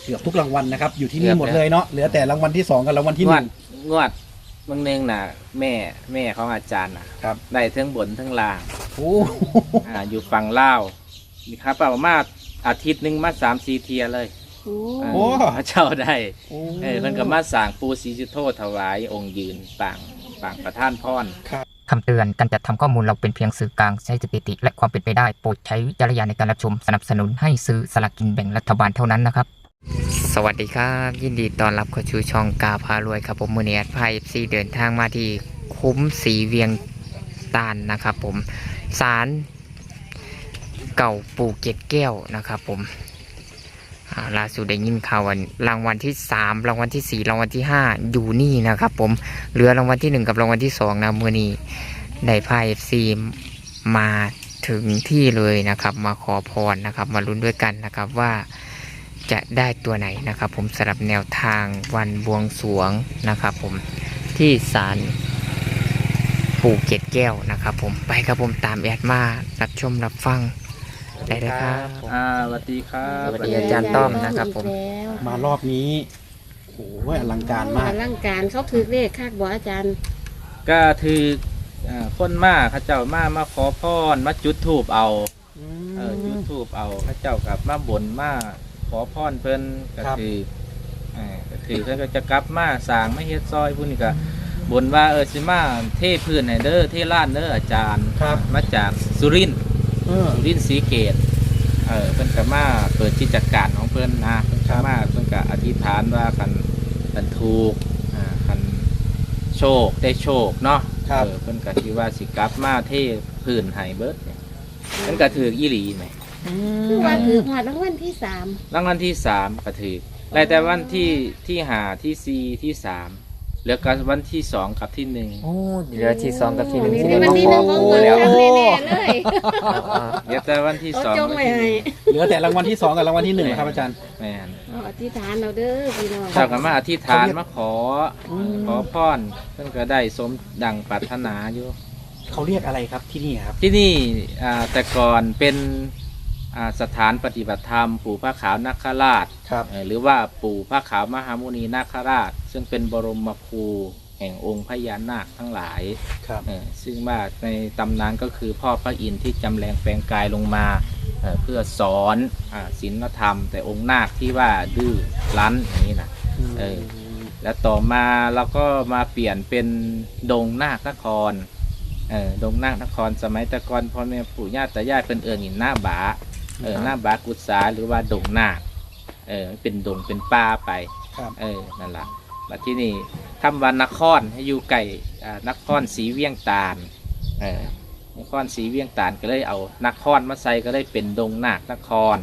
เกือบทุกรางวัลนะครับอยู่ที่นี่หมดเลยเนาะเหลือแต่รางวัลที่2กับรางวัลที่1 งวดบางเนืองน่ะแม่ของอาจารย์นะครับได้ทั้งบนทั้งล่างโอ้อยู่ฝั่งลาวนี่ครับประมาณอาทิตย์หนึ่งมา3-4 เทียเลยพระเจ้าได้เพิ่นก็มาสร้างปูศรีสุโธถวายองค์ยืนปางประท่านพรคำเตือนการจัดทำข้อมูลเราเป็นเพียงสื่อกลางใช้สถิติและความเป็นไปได้โปรดใช้วิจารณญาณในการรับชมสนับสนุนให้ซื้อสลากกินแบ่งรัฐบาลเท่านั้นนะครับสวัสดีครับยินดีต้อนรับเข้าสู่ช่องกาพารวยครับผมมือเนียดพายซีเดินทางมาที่คุ้มสีเวียงตาลนะครับผมศาลเก่าปู่เกศแก้วนะครับผมล่าสุดได้ยินข่าววันรางวัลที่3รางวัลที่4รางวัลที่5อยู่นี่นะครับผมเหลือรางวัลที่1กับรางวัลที่2นะมือนี้ได้พายซีมาถึงที่เลยนะครับมาขอพรนะครับมาลุ้นด้วยกันนะครับว่าจะได้ตัวไหนนะครับผมสำหรับแนวทางวันบวงสรวงนะครับผมที่ศาลปู่เกศแก้วนะครับผมไปครับผมตามแอดมารับชมรับฟังได้เลยครับสวัสดีครับสวัสดีอาจารย์ต้อมนะครับผมมารอบนี้โอ้โหอลังการมากอลังการเขาถือเลขคาดบ่อาจารย์ก็ถือคนมาข้าเจ้ามาขอพรมาจุดธูปเอาจุดธูปเอาข้าเจ้ากับมาบ่นมาขอพรเพิ่นก็ถือเพิ่นก็จะกลับมาสร้างไม่เฮ็ดซอยพุ่นนี่ก็บ่นว่าสิมาเทพื้นให้เด้อเทลานเด้ออาจารย์มาจากสุรินทร์ศรีเกตเพิ่นก็มาเปิดกิจการของเพิ่นนะเพิ่นก็มาเพิ่นก็อธิษฐานว่าคันถูกคันโชคได้โชคเนาะเพิ่นก็คิดว่าสิกลับมาเทพื้นให้เบิดเนี่ยเพิ่นก็ถืออีหลีแหมคือว่าถือหอดรางวัลที่3 รางวัลที่3ก็ถือได้แต่วันที่5ที่4ที่3เหลือกับวันที่2กับที่1 โอ้เหลือที่2กับที่1 ที่มาขอปูแล้วแน่ๆเลยเหลือแต่วันที่2 เหลือแต่รางวัลที่2กับรางวัลที่1นะครับอาจารย์แม่นอธิษฐานเราเด้อพี่น้องเจ้าก็มาอธิษฐานมาขอพรเพิ่นก็ได้สมดังปรารถนาอยู่เขาเรียกอะไรครับที่นี่ครับที่นี่แต่ก่อนเป็นสถานปฏิบัติธรรมปู่พระขาวนาคราชหรือว่าปู่พระขาวมหามุนีนาคราชซึ่งเป็นบรมครูแห่งองค์พญานาคทั้งหลายซึ่งว่าในตำนานก็คือพ่อพระอินทร์ที่จำแรงแปลงกายลงมาเพื่อสอนศีลธรรมแต่องค์นาคที่ว่าดื้อรั้นอย่างนี้นะแล้วต่อมาเราก็มาเปลี่ยนเป็นดงนาคนครดงนาคนครสมัยแต่ก่อนพ่อแม่ปู่ย่าตายายเป็นหินหน้าบาหน้าบากุศาหรือว่าดงนาคเป็นดงเป็นป่าไปนั่นแหละมาที่นี่ทำวันนครให้อยู่ไก่นครศรีเวียงตาลนครศรีเวียงตาลก็เลยเอานครมาใส่ก็เลยเป็นดงนาคนคร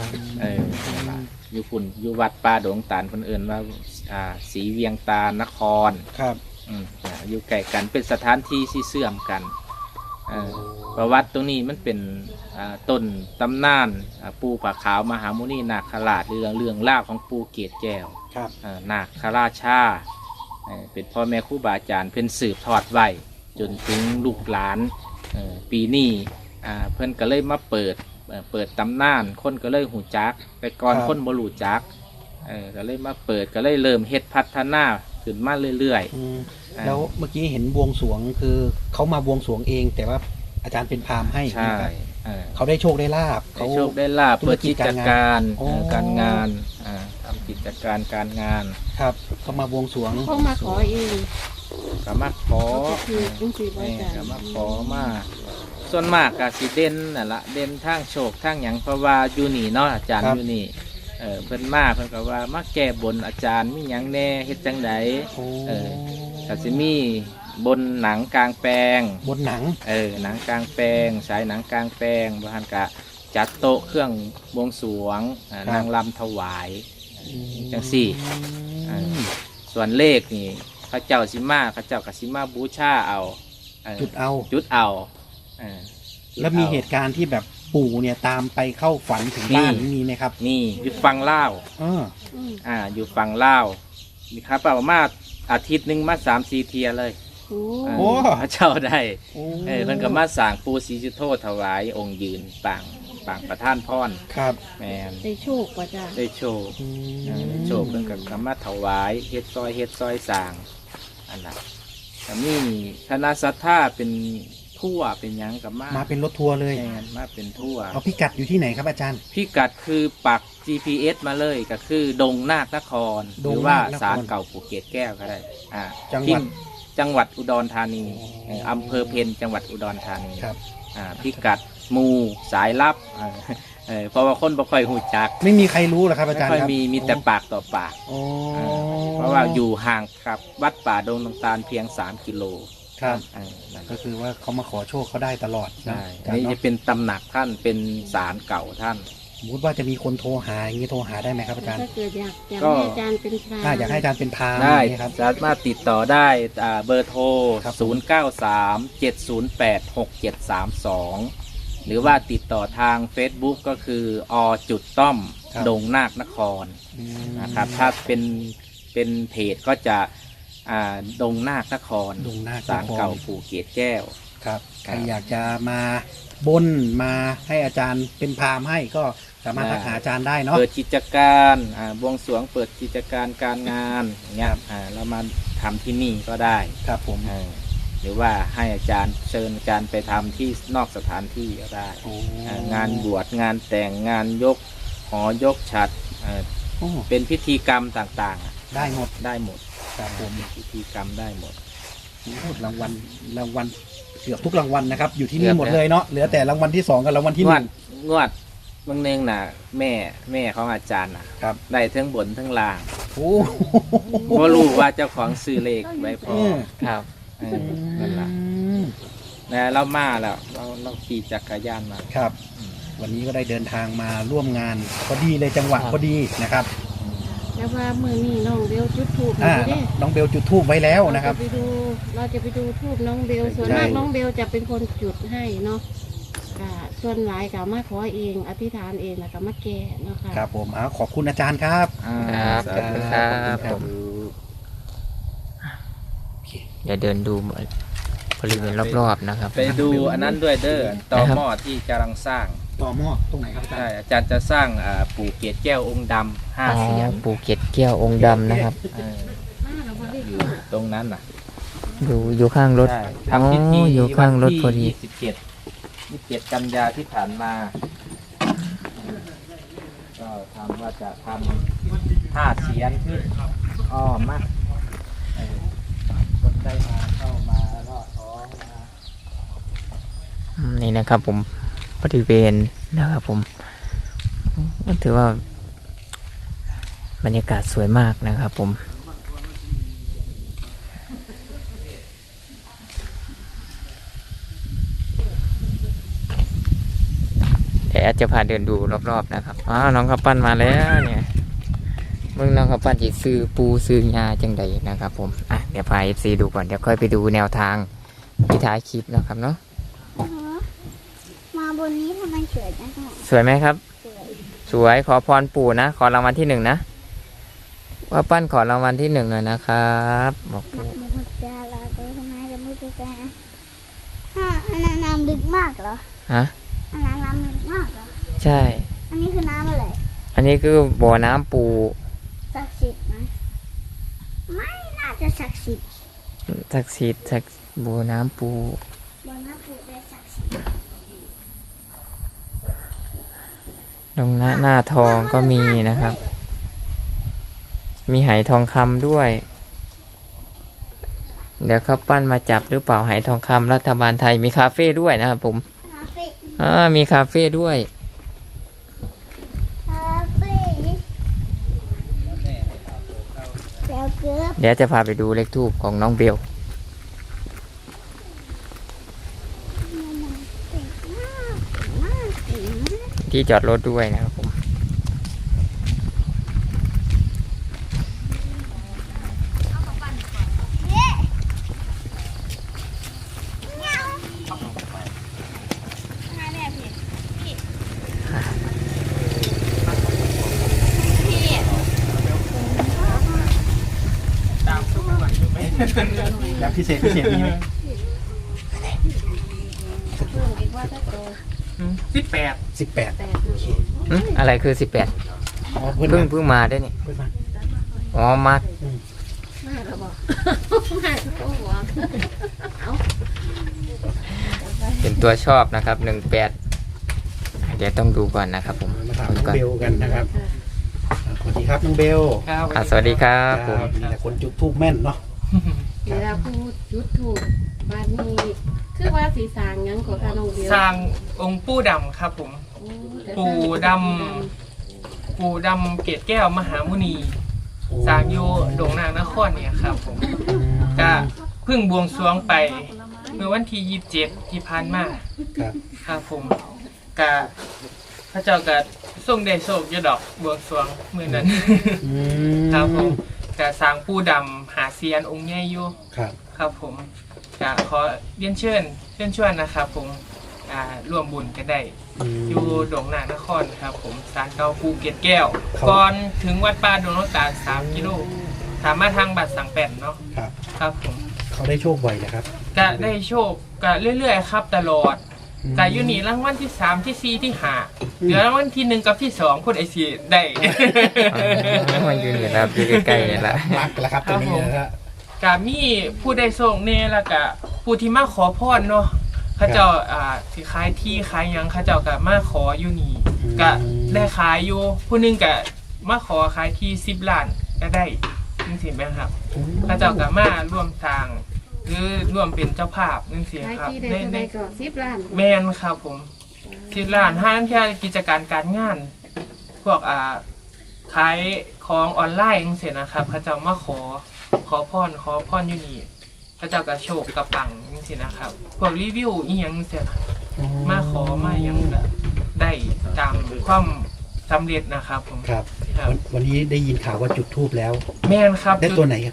อยู่ฝุ่นอยู่วัดป่าดงตาลคนอื่นว่าศรีเวียงตาลนครอยู่ไก่กันเป็นสถานที่ที่เสื่อมกันประวัติตรงนี้มันเป็นต้นตำนานปู่ผาขาวมหามุนีนาคราชเรื่องเล่าของปู่เกศแก้วนาคราชาเป็นพ่อแม่ครูบาอาจารย์เพิ่นสืบทอดไว้จนถึงลูกหลานปีนี้เพิ่นก็เลยมาเปิดตำนานคนก็เลยหูจักไปก่อนคนบ่รู้จักก็เลยมาเปิดก็เลยเริ่มเฮ็ดพัฒนาขึ้นมาเรื่อยๆแล้วเมื่อกี้เห็นบวงสรวงคือเขามาบวงสรวงเองแต่ว่าอาจารย์เป็นพราหมณ์ให้ใช่เขาได้โชคได้ลาภเขาโชคได้ลาภเปิดกิจการการงานทำกิจการการงานครับเขามาบวงสรวงเขามาขอเองก็มาขอก็มาขอมาส่วนมากก็สิเด่นนั่นละเด่นทางโชคทางหยังเพราะว่าอยู่นี่เนาะอาจารย์อยู่นี่เพิ่นมาเพิ่นก็ว่ามาแก้บนอาจารย์มีหยังแน่เฮ็ดจังไดก็สิมีบนหนังกลางแปลงบนหนังหนังกลางแปลงฉายหนังกลางแปลงบางกะจัดโต๊ะเครื่องบวงสรวงนางรำถวายจังสี่ส่วนเลขนี่พระเจ้าสิมาพระเจ้ากับสิมาบูชาเอาจุดเอาแล้วมีเหตุการณ์ที่แบบปู่เนี่ยตามไปเข้าฝันถึงบ้านมีไหมครับนี่อยู่ฟังเล่าอยู่ฟังเล่ามีครับประมาณอาทิตย์หนึ่งมา3-4 เทียเลยพระเจ้าได้เพิ่นก็มาสร้างปูศรีสุโธถวายองค์ยืนปางปางประท่านพรครับแมนได้โชคป่ะจ้ะได้โชคได้โชคเรื่องกับคำว่าถวายเฮ็ดซอยสร้างอันนั้นแต่นี่คณะศรัทธาเป็นทั่วเป็นหยังกับมามาเป็นรถทัวร์เลยแมนมาเป็นทั่วเอาพิกัดอยู่ที่ไหนครับอาจารย์พิกัดคือปัก GPS มาเลยก็คือดงนาคนคร หดงนาครือว่าศาลเก่าปู่เกศแก้วก็ได้จังหวัดจังหวัดอุดรธานีอ๋ออำเภอเพ็ญจังหวัดอุดรธานีครับพิกัดหมู่สายลับเพราะว่าคนบ่ค่อยหูจักไม่มีใครรู้หรอครับอาไม่จารย์ค่อยครับมีแต่ปากต่อปากโอ้เพราะว่าอยู่ห่างกับวัดป่าดงน้ำตาลเพียง3 กิโลครับนั่นก็คือว่าเขามาขอโชคเขาได้ตลอดนะใช่อาจารนี่ย์จะเนาะเป็นตำหนักท่านเป็นศาลเก่าท่านสมมติว่าจะมีคนโทรหาอย่างนี้โทรหาได้ไหมครับอาจารย์ถ้าเกิดอยากก็ให้อาจารย์เป็นพรามอยากให้อาจารย์เป็นพราหมณ์ได้อย่างนี้ครับสามารถติดต่อได้เบอร์โทรครับ 0937086732 หรือว่าติดต่อทาง Facebook ก็คือจุดต้อมดงนาคนครอืมนะครับถ้าเป็นเพจก็จะดงนาคนครดงนาคนครศาลเก่าปู่เกศแก้วครับใครอยากจะมาบนมาให้อาจารย์เป็นพราหมณ์ให้ก็สามารถทักหาอาจารย์ได้เนาะเปิดกิจการบวงสรวงเปิดกิจการการงานอย่างเงี้ยเรามาทำที่นี่ก็ได้ครับผมหรือว่าให้อาจารย์เชิญอาจารย์ไปทำที่นอกสถานที่ก็ได้โอ้งานบวชงานแต่งงานยกหอยกฉัตรโอ้เป็นพิธีกรรมต่างๆได้หมดได้หมดครับผมเป็นพิธีกรรมได้หมดรางวัลเกือบทุกรางวัลนะครับ อยู่ที่นี่หมดเลยเนาะเหลือแต่รางวัลที่2กับรางวัลที่งวด 1 งวดบางเนึงน่ะแม่ของอาจารย์น่ะครับได้ทั้งบนทั้งล่างโอ้เพราะรู้ว่าเจ้าของซื้อเลขไว้พอครับนั่นแหละนะเรามาแล้วเราขี่จักรยานมาครับ วันนี้ก็ได้เดินทางมาร่วมงานพอดีเลยจังหวะพอดีนะครับแล้วว่ามือนี้น้องเบลจุดทูบอ่าเด้น้องเบลจุดธูปไว้แล้วนะครับเราจะไปดูทูบน้องเบลส่วนใช่มากน้องเบลจะเป็นคนจุดให้เนาะส่วนหลายก็มาขอเองอธิษฐานเองแล้วก็มาแก่เนาะค่ะครับผมขอบคุณอาจารย์ครับครับสาขอบธุคุณครับขอณเดี๋ยวเดินดูบริเวณรอบๆนะครับไปดูอันนั้นด้วยเด้อต่อหม้อที่กำลังสร้างต่อหม้อตรงไหนครับอาจารใช่ย์อาจารย์จะสร้างปู่เกศแก้วองค์ดำอ๋อ 5 เสียนปูเก็ตแก้วองค์ดำนะครับมาแล้วบ่ได้อทูยู่บตรงนั้นน่ะอยู่ข้างรถใช่อ๋อทำพิธีอยู่ข้างรถพอดีวันที่27กันยาที่ผ่านมา ก็ทำว่าจะทำ5 เสียนขึ้นมาคนได้มาเข้ามาลอดท้องมานี่นะครับผมบริเวณนะครับผมก็ถือว่าบรรยากาศสวยมากนะครับผมเดี๋ยวจะพาเดินดูรอบๆนะครับน้องข้าวปั้นมาแล้วเนี่ยมึงน้องข้าวปั้นจีซื้อปูซื้อยาจังใดนะครับผมเดี๋ยวพา FC ดูก่อนเดี๋ยวค่อยไปดูแนวทางที่ท้ายคลิปนะครับเนาะมาบนนี้ทำไมสวยจังเลยสวยไหมครับสวยสวยขอพรปู่นะ ขอรางวัลที่ 1นะว่าปั้นขอรางวัลที่1หน่อยนะครับบอกนัปู่กมุขจาลาตัวทำไมจะมุขจาอันนั้นน้ำลึกมากเหรอฮะอันนั้นน้ำลึกมากเหรอใช่อันนี้คือน้ำอะไรอันนี้คือบ่อน้ำปู่ศักดิ์สิทธิ์ไหมไม่น่าจะศักดิ์สิทธิ์ศักดิ์สิทธิ์บ่อน้ำปู่บนน้ำปูได้ศักดิ์สิทธิ์ตรงหน้าทองก็มีนะครับ มีไหทองคำด้วย เดี๋ยวเขาปั้นมาจับหรือเปล่าไหทองคำรัฐบาลไทยมีคาเฟ่ด้วยนะครับผมคาเฟ่มีคาเฟ่ด้วยคาเฟ่แล้วเกือบเดี๋ยวจะพาไปดูเลขทูปของน้องเบลเก่งมากมากเก่งมากที่จอดรถด้วยนะครับผมแบบพิเศษมีไหมเพิ่มอีกว่าถ้าโต 18 18 แต่โอเคอะไรคือ18 อ๋อเพิ่งเพิ่งมาได้นี่เพิ่งมาอ๋อมามาแล้วบอกมาก็บอกเอาเป็นตัวชอบนะครับ18เดี๋ยวต้องดูก่อนนะครับผมมาถามน้องเบลกันนะครับสวัสดีครับน้องเบลครับสวัสดีครับผมมีแต่คนจุดทูบแม่นเนาะเวลาพูดยุดถูกบ้านนี้คือว่าสีสางหยังของการลงเดียวสร้างองค์ปู่ดำครับผมโอ้แต่ปู่ดำ ปู่ดำเกศแก้วมหามุนีสร้างอยู่โด่งนางนครเนี่ยครับผมก็เพิ่งบวงสรวงไป เมื่อวันที่27ที่ผ่านมาครับครับผมก็พระเจ้าก็ทรงได้โชคอยดอกบวงสรวงมื้อนั้น ครับผมก็สร้างปู่ดำหาเซียนองค์ใหญ่อยู่ครับครับผมก็ขอเรียนเชิญนะครับผมร่วมบุญกันได้ อยู่โด่งนางนครครับผมศาลเก่าภูเก็ตแก้ว ก่อนถึงวัดป่าดงน้ำตาล3 กิโลถามมาทางบัตรสังแป่นเนาะครับครับผมเขาได้โชคบ่อยนะครับก็ได้โชคก็เรื่อยๆครับตลอดก็อยู่นี่รางวัลที่ 3 ที่ 4 ที่5เหลือรางวัลที่ 1 กับที่ 2คนไอซีได้มันอยู่นี่นะครับอยู่ใกล้ๆนี่แหละรักแล้วครับตัวนี้นะครับก็มีผู้ได้โชคแน่แล้วก็ผู้ที่มาขอพรเนาะเขาเจ้าสิขายที่ขายหยังเขาเจ้าก็มาขออยู่นี่ก็ได้ขายอยู่ผู้หนึงก็มาขอขายที่10 ล้านก็ได้จริงๆไหมครับเขาเจ้าก็มาร่วมสร้างหรือร่วมเป็นเจ้าภาพจริงขายๆครับที่ได้จะได้ก่อน10 ล้านแมนครับผม10 ล้านห้างแค่กิจการการงาน พวกขายของออนไลน์จังซี่นะครับเขาเจ้ามาขอพรอยู่นี่พระเจ้าก็โชคกระปังจังซี่นะครับ พวกรีวิวอีหยังจังซี่นะมาขอมาหยังก็ได้ตามความสำเร็จนะครับผมครับครับวันนี้ได้ยินข่าวว่าจุดทูบแล้วแม่นครับได้ตัวไหนครับ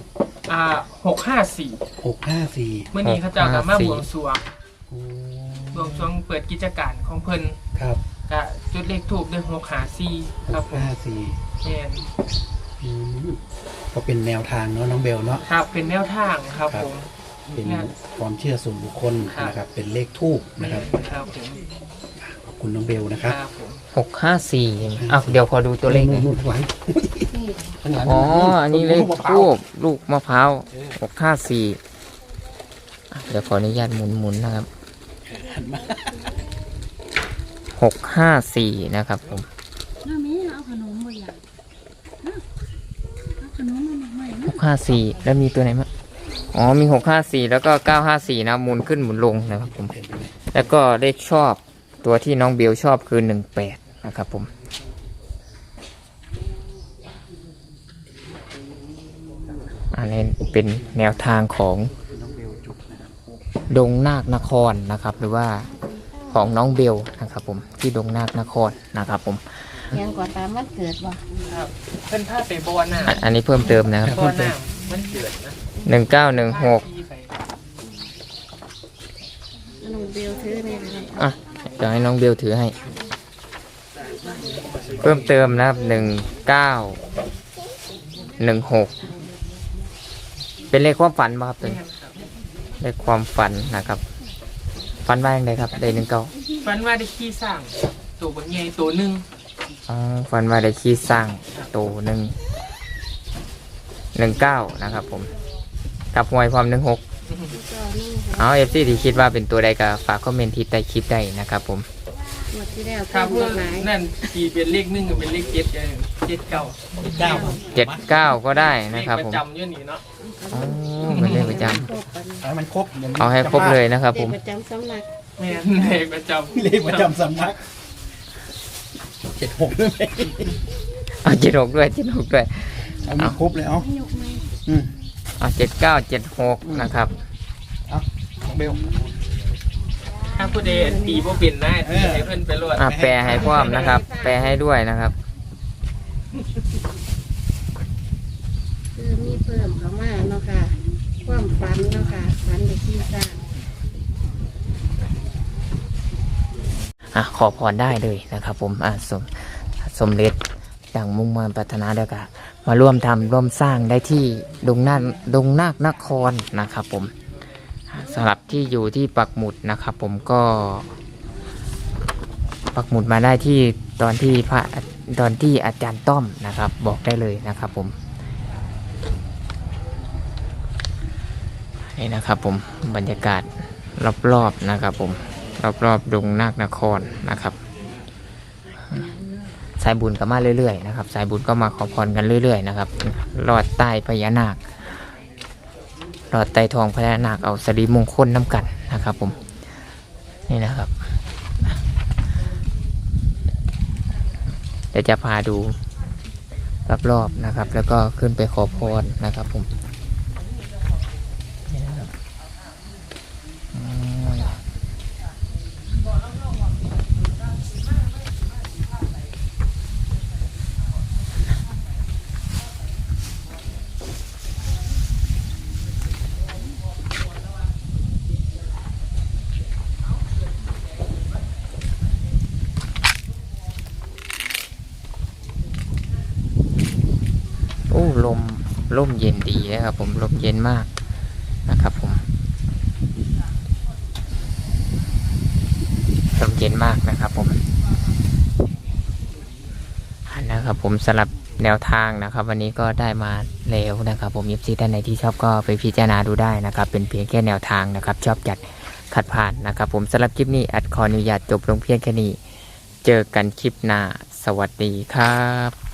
654 654 เมื่อนี้เขาเจ้าก็มาบวงสรวงโอ้บวงสรวงเปิดกิจการของเพิ่นครับก็จุดเลขทูบด้วย654ครับผม 654 แม่นอืมก็เป็นแนวทางเนาะน้องเบลเนาะครับเป็นแนวทางครับผมเป็นความเชื่อส่วนบุคคลนะครับ เป็นเลขทูบนะครับครับผมขอบคุณน้องเบลนะครับครับผม 654เดี๋ยวพอดูตัวเลขหน่อยนู่นๆไว้นี่ข้างหลังอ๋ออันนี้เลขทูบลูกมะพร้าว654เดี๋ยวขออนุญาตหมุนๆนะครับ654นะครับผมน้ามีเอาขนมบ่อยากเอาขนมมาใหม่นะ 654แล้วมีตัวไหนมั้งอ๋อมี654แล้วก็954นะหมุนขึ้นหมุนลงนะครับผมแล้วก็เลขชอบตัวที่น้องเบลชอบคือ18นะครับผมอันนี้เป็นแนวทางของดงนาคนครนะครับ หรือว่าของน้องเบลนะครับผมที่ดงนาคนครนะครับผมยังกว่าตามวันเกิดบ่ครับเพิ่นพาไปบ่อน้อันนี้เพิ่มเติมนะครับำบ่อน้ำมันเกิดนะ 1916 ที่ไปน้องเบลซื้อเนี่ยนะครับอ่ะเดี๋ยวให้น้องเบลถือให้ เพิ่มเติมนะครับ1916เป็นเลขความฝันป่ะครับเป็นเลขความฝันนะครับฝันว่าอย่างไรครับได้19 ฝันว่าได้ขี้สร้างตัวบางใหญ่ตัวหนึงอ๋อฝันว่าได้ขี้สร้างโตหนึ่ง19นะครับผมกับหวยความ16 ก็นี่เอาเอฟซีที่คิดว่าเป็นตัวใดก็ฝากคอมเมนต์ที่ใต้คลิปได้นะครับผมหมดที่แล้วครับเพิ่เพื่อมหลายนั่นขี่เป็นเลข1กับเป็นเลข7กัน7 9 79ก็ได้นะครับเลขผปมระจำอยู่นี่เนาะอ๋อเป็นเลขประจครบกันเอาให้มันครบดี๋ยวำเอาให้ครบเลยนะครับเด็ผกมประจำสำนักแม่นเลขประจำเลขประจำสำนัก76ด้วยไหมเอา76ด้วย76ด้วยเอามันครบเลยเอาให้ยกไหมอืมเอา7976นะครับน้องเบลถ้าผู้ใดตีบ่เป็นนะตีให้เพิ่นไปรวดแปลให้พร้อมนะครับ แปลให้ด้วยนะครับคือมีเพิ่มเข้ามาเนาะค่ะความฝันเนาะค่ะฝันเด็กที่สร้างขอพรได้เลยนะครับ ผมสมเด็จดังมุ่งมั่นปรารถนาเดียวกันมาร่วมทำร่วมสร้างได้ที่ดงนาคนครนะครับ ผมสำหรับที่อยู่ที่ปักหมุดนะครับ ผมก็ปักหมุดมาได้ที่ตอนที่อาจารย์ต้อมนะครับบอกได้เลยนะครับผมนี่นะครับผมบรรยากาศรอบๆนะครับผมรอบๆดงนาคนครนะครับสายบุญก็มาเรื่อยๆนะครับสายบุญก็มาขอพรกันเรื่อยๆนะครับลอดใต้พญานาคลอดใต้ทองพญานาคเอาสิริมงคลน้ำกันนะครับผมนี่นะครับเดี๋ยวจะพาดูรอบๆนะครับแล้วก็ขึ้นไปขอพรนะครับผมนี่นะครับโอ้ลมเย็นดีนะครับผมลมเย็นมากนะครับผมลมเย็นมากนะครับผมนะครับผมสำหรับแนวทางนะครับวันนี้ก็ได้มาแล้วนะครับผมยิบซีท่านไหนที่ชอบก็ไปพิจารณาดูได้นะครับเป็นเพียงแค่แนวทางนะครับชอบจัดขัดผ่านนะครับผมสำหรับคลิปนี้ขออนุญาตจบลงเพียงแค่นี้เจอกันคลิปหน้าสวัสดีครับ